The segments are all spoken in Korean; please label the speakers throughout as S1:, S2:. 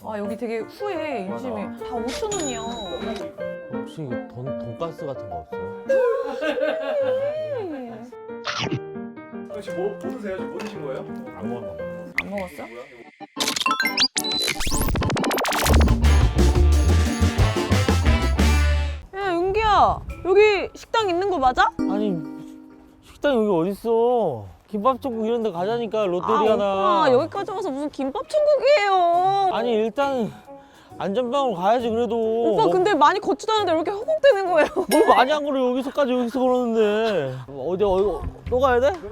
S1: 아 여기 되게 후회 인심이 다 5,000원이야.
S2: 혹시 돈가스 같은 거 없어요?
S3: 지금 뭐 드세요? 지금 뭐 드신 거예요?
S2: 안 먹어.
S1: 안 먹었어? 야 윤기야 여기 식당 있는 거 맞아?
S2: 아니 식당 여기 어딨어? 김밥 천국 이런 데 가자니까 롯데리아나.
S1: 아 오빠 여기까지 와서 무슨 김밥 천국이에요.
S2: 아니 일단 안전방으로 가야지 그래도.
S1: 오빠 근데 많이 걷지도 않는데 왜 이렇게 허공대는 거예요?
S2: 뭘 많이 안 걸어 여기서 걸었는데. 어디 또 가야 돼?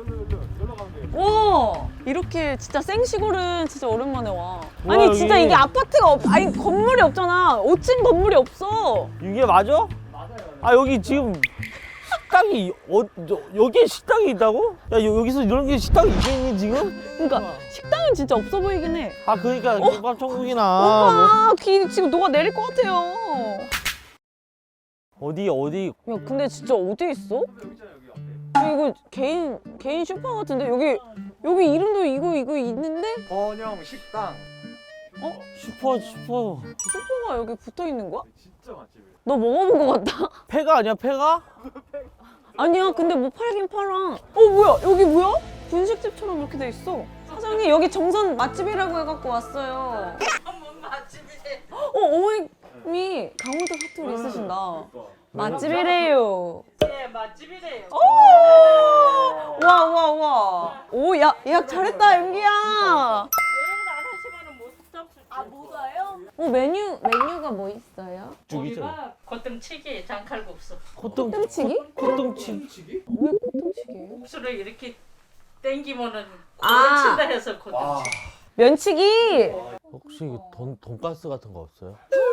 S1: 와 이렇게 진짜 생시골은 진짜 오랜만에 와.
S2: 우와,
S1: 아니
S2: 여기-
S1: 진짜 이게 아파트가 아니 건물이 없잖아. 5층 건물이 없어.
S2: 이게 맞아?
S3: 맞아요.
S2: 아 여기 지금 식당이 여기에 식당이 있다고? 야 여기서 이런 게 식당이 있겠니 지금?
S1: 그러니까 식당은 진짜 없어 보이긴 해.
S2: 아 그러니까 김밥 천국이나
S1: 오빠 귀 지금 녹아 내릴 것 같아요.
S2: 뭐 어디
S1: 야 근데 진짜 어디 있어?
S3: 여기 있잖아요, 여기 앞에.
S1: 야, 이거 개인 슈퍼 같은데 여기 이름도 이거 있는데
S3: 번영 식당.
S2: 슈퍼
S1: 슈퍼가 여기 붙어 있는 거야?
S3: 진짜 맛집이에요.
S1: 너 먹어본 것 같다.
S2: 폐가 아니야 폐가?
S1: 아니야 근데 뭐 팔긴 팔아. 뭐야 여기 뭐야? 분식집처럼 이렇게 돼 있어. 사장님 여기 정선 맛집이라고 해갖고 왔어요.
S4: 뭔 맛집이래.
S1: 어머님이 강원도 사투리 있으신다. 맛집이래요.
S4: 예, 맛집이래요.
S1: 와. 오 예약 잘했다 윤기야.
S4: 예약을 안 하시면은 못 잡수. 못 와요?
S1: 메뉴가 뭐 있어요?
S2: 죽이죠.
S4: 우리가 고등치기, 장칼국수.
S1: 땡치기?
S2: 콧등치.
S1: 왜 땡치기예요?
S4: 국수를 이렇게 땡기면은
S1: 아.
S4: 고등친다 해서
S3: 와.
S4: 고등치.
S1: 면치기.
S2: 혹시 돈가스 같은 거 없어요?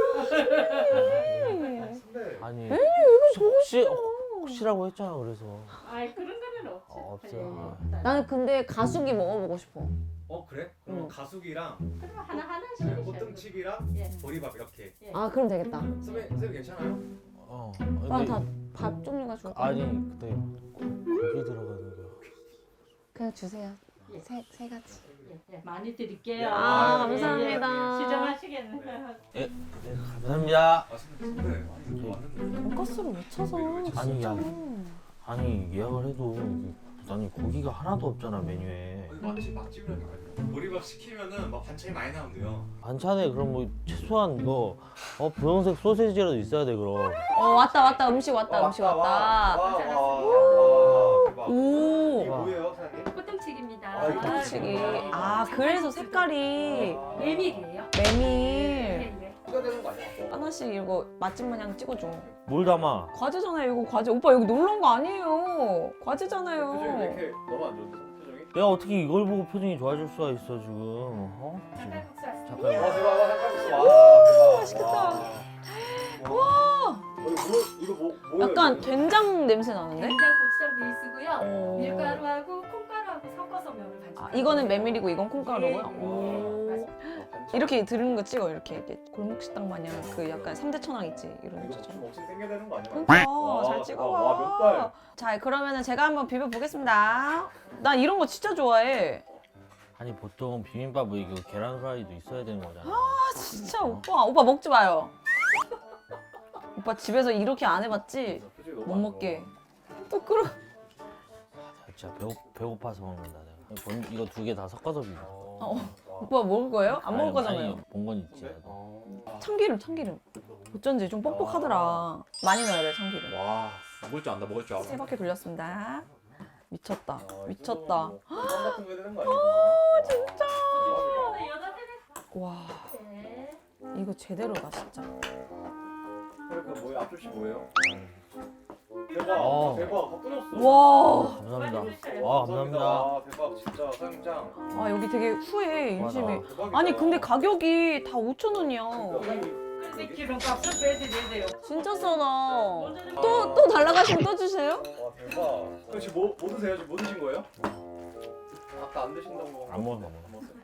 S3: 근데
S2: 아니
S1: 이거
S2: 혹시라고 했잖아 그래서.
S4: 아이 그런 거는 없지.
S2: 없어요.
S4: 예.
S1: 나는 근데 가수기 먹어보고 싶어.
S3: 그래? 그럼 가수기랑
S4: 그럼 하나씩
S3: 호등치기랑
S4: 예.
S3: 보리밥 이렇게.
S1: 아 그럼 되겠다.
S3: 선생님 괜찮아요?
S1: 그럼 다 밥 종류가 좋을 것 같아.
S2: 아니 근데 고기 들어가는 거.
S1: 그냥 주세요.
S4: 예.
S1: 세 가지.
S4: 예, 많이 드릴게요.
S1: 아,
S4: 예,
S1: 감사합니다.
S4: 예. 시정하시겠네.
S2: 네 감사합니다.
S3: 근데 아니 이거 왔는데.
S1: 돈가스를 왜 쳐서?
S2: 아니 아니 예약을 해도 아니 고기가 하나도 없잖아 메뉴에.
S3: 맛집이라는 거 아니에요? 보리밥 시키면은 막 반찬이 많이 나온대요.
S2: 반찬에 그럼 뭐 최소한 뭐 분홍색 소세지라도 있어야 돼 그럼.
S1: 왔다 음식 왔다. 오.
S3: 이게 뭐예요, 사장님?
S4: 고등치기입니다.
S3: 아, 이거
S1: 땡치기. 아 그래서 색깔이
S4: 메밀이에요.
S1: 메밀.
S3: 추가 되는 거 아니야?
S1: 하나씩 이거 맛집 마냥 찍어줘.
S2: 뭘 담아?
S1: 과제잖아요 이거 과제. 오빠 여기 놀러 온 거 아니에요.
S3: 표정이 왜
S1: 과제잖아요.
S3: 이렇게 너무 안 좋은데 표정이?
S2: 내가 어떻게 이걸 보고 표정이 좋아질 수가 있어 지금? 지금 잠깐.
S3: 와 대박, 와 삼겹살. 와 대박.
S1: 맛있겠다.
S3: 와. 이거 뭐예요?
S1: 약간
S3: 이거?
S1: 된장 냄새 나는데?
S5: 된장 고추장 베이스고요.
S1: 오.
S5: 밀가루하고 콩가루하고 섞어서 면을 반죽.
S1: 아, 이거는 메밀이고 이건 콩가루고요.
S5: 네.
S1: 오. 이렇게 들은 거 찍어 이렇게 골목식당 마냥 그 약간 3대 천왕 있지 이런
S3: 이거
S1: 거죠.
S3: 좀 없이 생겨야 되는 거 아니야?
S1: 그러니까
S3: 와,
S1: 잘
S3: 와,
S1: 찍어봐.
S3: 몇 달?
S1: 자 그러면은 제가 한번 비벼 보겠습니다. 나 이런 거 진짜 좋아해.
S2: 아니 보통 비빔밥은 이거 계란 후라이도 있어야 되는 거잖아.
S1: 아 진짜 오빠 먹지 마요. 오빠 집에서 이렇게 안 해봤지?
S3: 표정이 너무
S1: 못
S3: 안
S1: 먹게. 또 끓어.
S2: 진짜 배고파서 먹는다 내가. 이거 두 개 다 섞어서 비벼.
S3: 좋아.
S1: 오빠 먹을 거예요? 안 먹을
S2: 아니,
S1: 거잖아요.
S2: 아니, 본건 있지.
S3: 네?
S2: 나도.
S1: 참기름. 어쩐지 좀 뻑뻑하더라. 많이 넣어야 돼 참기름.
S3: 와 먹을 줄 안다, 먹을 줄 알아.
S1: 세 바퀴 돌렸습니다. 미쳤다.
S3: 아,
S1: 미쳤다.
S3: 빵 같은 거 해야 되는 거 아니야?
S1: 진짜.
S3: 대박이다.
S1: 와 이거 제대로다 진짜.
S3: 그러니까 뭐예요? 앞접시 뭐예요? 대박,
S2: 어.
S3: 대박, 다 끊었어.
S1: 와.
S2: 감사합니다. 와 감사합니다.
S3: 아, 대박, 진짜 사장짱.
S1: 아 여기 되게 후회 인심이.
S2: 맞아.
S3: 대박이다.
S1: 아니 근데 가격이 다 5,000원이야.
S4: 근데 기름값을 빼드려야 돼요.
S1: 진짜 싸다. 또 달라가시면 또 주세요?
S3: 와 대박. 그럼 지금 뭐 드세요? 지금 뭐 드신 거예요? 아까 안 드신다고.
S2: 안 먹었어.
S3: 안 먹었어요?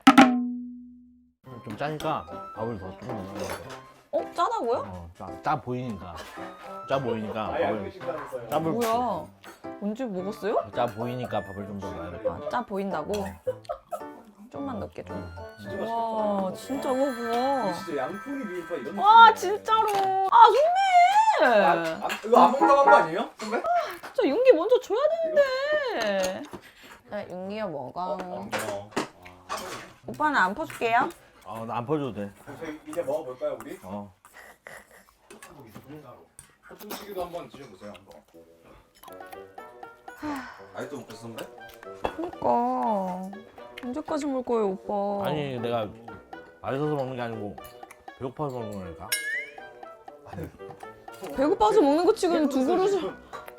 S2: 좀 짜니까 밥을 더 조금 넣어.
S1: 짜다고요?
S2: 짜 보이니까. 짜 보이니까
S3: 아예 안
S2: 밥을
S3: 드신다면서요?
S2: 짭을
S1: 뭐야? 언제 먹었어요?
S2: 짜 보이니까 밥을 좀 더 넣어야겠다.
S1: 아, 짜 보인다고? 좀만 넣게 좀.
S3: 진짜 맛있겠다.
S1: 와 진짜 먹어.
S3: 진짜 양푼이 비빔밥 이런 느낌.
S1: 와 진짜로. 아 선배.
S3: 이거 안 먹다고 한 거 아니에요? 선배?
S1: 진짜 윤기 먼저 줘야 되는데. 네, 윤기야 먹어. 오빠는 안 퍼줄게요.
S2: 나 안 퍼줘도 돼.
S3: 저희 이제 먹어볼까요 우리? 호충치기도 한번 드셔보세요 한번.
S6: 아직도 못 뺐어 선배?
S1: 그러니까 언제까지 먹을 거예요 오빠?
S2: 아니 내가 맛있어서 먹는 게 아니고 배고파서 먹는 거니까.
S1: 배고파서 먹는 거 치고는 두 그릇을.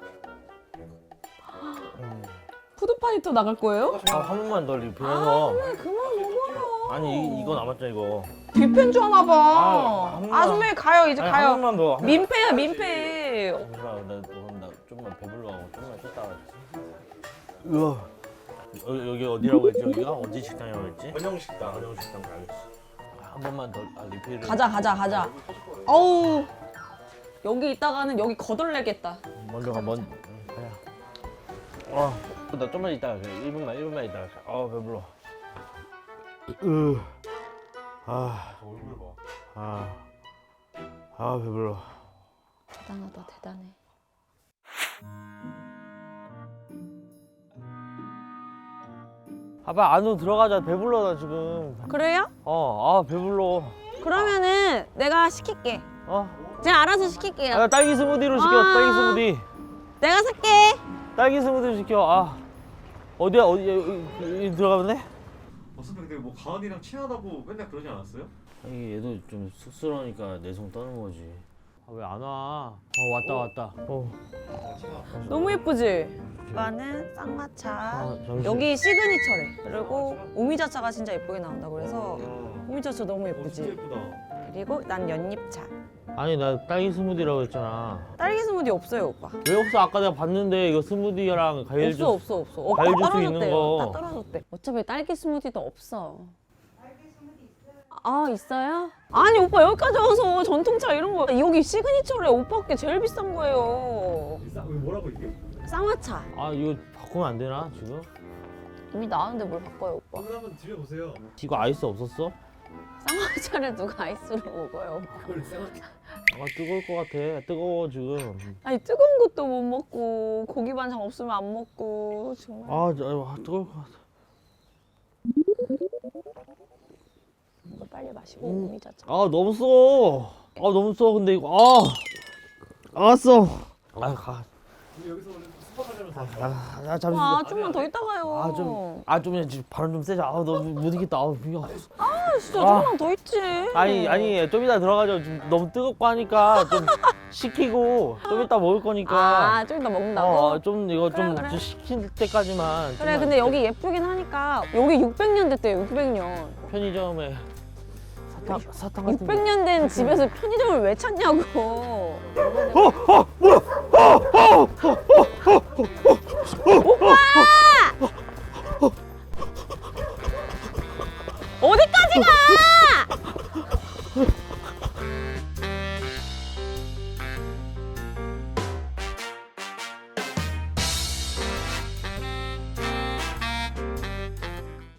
S1: 푸드파이터 나갈 거예요?
S2: 한 번만 더 리필해서.
S1: 그만 먹어요.
S2: 아니 이거 남았잖아 이거.
S1: 뷔페인 줄 아나 봐.
S2: 한 번만.
S1: 선배 가요 이제
S2: 아니,
S1: 가요.
S2: 한 번만 더.
S1: 민폐야 민폐.
S2: 나 좀만 배불러하고 좀만 쉬다가. 우와. 여기 어디라고 했지 여기가? 어디 식당이라고 했지?
S3: 번영식당.
S2: 한영 식당 가야겠어. 한 번만 더 리필을.
S1: 가자. 어우 여기 있다가는 여기 거덜내겠다.
S2: 먼저 가 가야. 나 좀만 있다가 그래. 1분만 있다가. 배불러.
S3: 얼굴 봐.
S2: 배불러.
S1: 대단하다 대단해.
S2: 아빠 안으로 들어가자. 배불러 나 지금.
S1: 그래요?
S2: 배불러.
S1: 그러면은 내가 시킬게. 제가 알아서 시킬게요.
S2: 나 딸기 스무디로 시켜.
S1: 아.
S2: 딸기 스무디.
S1: 내가 살게.
S2: 딸기 스무디로 시켜. 어디야? 여기 들어가면 돼?
S3: 선배 근데 뭐 가은이랑 친하다고 맨날 그러지 않았어요?
S2: 아니 얘도 좀 쑥스러우니까 내성 떠는 거지. 왜 안 와? 왔다.
S1: 너무 예쁘지? 오빠는 쌍화차.
S2: 잠시.
S1: 여기 시그니처래. 그리고 오미자차가 진짜 예쁘게 나온다 그래서 오미자차 너무
S3: 진짜
S1: 예쁘지?
S3: 예쁘다.
S1: 그리고 난 연잎차.
S2: 아니 나 딸기 스무디라고 했잖아.
S1: 딸기 스무디 없어요 오빠.
S2: 왜 없어? 아까 내가 봤는데 이거 스무디랑 과일 주스.
S1: 없어.
S2: 과일 주스
S1: 떨어졌대요.
S2: 있는 거.
S1: 다 떨어졌대. 어차피 딸기 스무디도 없어. 아 있어요? 아니 오빠 여기까지 와서 전통차 이런 거 여기 시그니처래. 오빠께 제일 비싼 거예요.
S3: 뭐라고 이게?
S1: 쌍화차.
S2: 이거 바꾸면 안 되나 지금?
S1: 이미 나왔는데 뭘 바꿔요 오빠?
S3: 오늘 한번 드셔보세요.
S2: 이거 아이스 없었어?
S1: 쌍화차를 누가 아이스로 먹어요?
S3: 그걸 생각.
S2: 뜨거울 것 같아. 뜨거워 지금.
S1: 아니 뜨거운 것도 못 먹고 고기 반찬 없으면 안 먹고 정말.
S2: 뜨거울 것 같아.
S1: 이거 빨리 마시고 오미자차.
S2: 너무 써. 너무 써. 근데 이거 알았어. 가.
S3: 우리 여기서 오늘 수박하려면
S2: 나 잠시.
S1: 와 좀만 더 있다 가요.
S2: 좀 지금 바람 좀 세자. 너무 못 이겠다. 미워.
S1: 진짜 좀만 더 있지.
S2: 아니 좀 이따 들어가자. 좀 너무 뜨겁고 하니까 좀 식히고 좀 이따 먹을 거니까.
S1: 좀 이따 먹는다고?
S2: 좀 이거
S1: 그래,
S2: 좀
S1: 그래.
S2: 식힐 때까지만.
S1: 그래
S2: 좀만
S1: 근데 여기 예쁘긴 하니까 여기 600년 됐대요 600년.
S2: 편의점에 사탕 같은 거.
S1: 600년 된 집에서 편의점을 왜 찾냐고.
S2: 뭐야?